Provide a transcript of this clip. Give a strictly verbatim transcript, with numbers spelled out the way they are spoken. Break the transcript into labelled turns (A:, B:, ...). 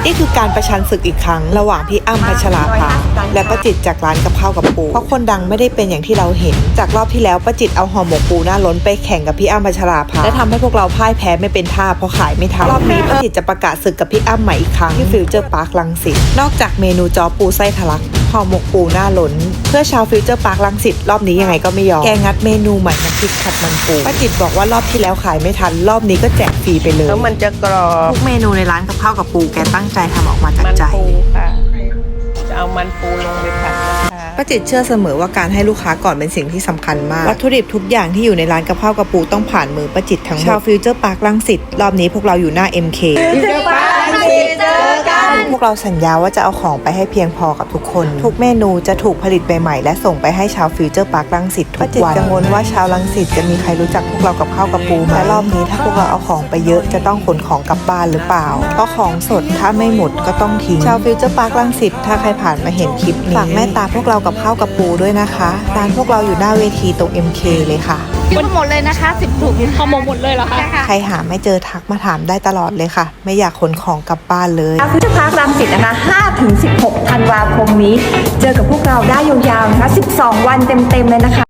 A: นี่คือการประชันศึกอีกครั้งระหว่างพี่อ้ำพัชราภาและป้าจิตจากร้านกับข้าวกับปูเพราะคนดังไม่ได้เป็นอย่างที่เราเห็นจากรอบที่แล้วป้าจิตเอาห่อหมกปูหน้าล้นไปแข่งกับพี่อ้ำพัชราภาและทำให้พวกเราพ่ายแพ้ไม่เป็นท่าเพราะขายไม่ทันรอบนี้ป้าจิตจะประกาศศึกกับพี่อ้ำใหม่อีกครั้งที่ฟิวเจอร์พาร์ครังสิตนอกจากเมนูจอปูไส้ทะลักห่อหมกปูหน้าล้นเพื่อชาวฟิวเจอร์พาร์ครังสิตรอบนี้ยังไงก็ไม่ยอมแกงัดเมนูใหม่น้ำพริกผัดมันปูป้าจิตบอกว่ารอบที่แล้วขายไม่ทันรอบนี้ก็แจกฟรีไปเลย
B: แล้วมันจะกรอบ
A: ทุกเมนูในร้านกับข้าวกับปูแกตั้งใจทำออกมาจากใจ
B: มันปูค่ะจะเอามันปูลงไปผัดนะคะ
A: ป้าจิตเชื่อเสมอว่าการให้ลูกค้าก่อนเป็นสิ่งที่สำคัญมากวัตถุดิบทุกอย่างที่อยู่ในร้านกับข้าวกับปูต้องผ่านมือป้าจิตทั้งหมดชาวฟิวเจอร์พาร์ครังสิตรอบนี้พวกเราอยู่หน้า เอ็ม เค
B: ฟิวเจอร์พาร์ครังสิตเจอกัน
A: พวกเราสัญญาว่าจะเอาของไปให้เพียงพอกับทุกคนทุกเมนูจะถูกผลิตใหม่ๆและส่งไปให้ชาวฟิวเจอร์พาร์ครังสิตทุกวันป้าจิตกังวลว่าชาวรังสิตจะมีใครรู้จักพวกเรากับข้าวกับปูและรอบนี้ถ้าพวกเราเอาของไปเยอะจะต้องขนของกลับบ้านหรือเปล่าเพราะของสดถ้าไม่หมดก็ต้องทิ้งชาวฟิวเจอร์พาร์ครังสิตถ้าใครผ่านมาเห็นคลิปนี้ฝากแม่ตาพวกเรากับข้าวกับปูด้วยนะคะร้านพวกเราอยู่หน้าเวทีตรง เอ็ม เค เลยค่ะ
C: หมดหมดเลยนะคะสิบถุงพอหมดหมดเลยเหรอคะ
A: ใครหาไม่เจอทักมาถามได้ตลอดเลยค่ะไม่อยากขนของกลับบ้านเลย
D: ฟิวเจอร์พาร์ครังสิตนะคะห้าถึงสิบหกธันวาคมนี้เจอกับพวกเราได้ยาวๆนะคะสิบสองวันเต็มๆเลยนะคะ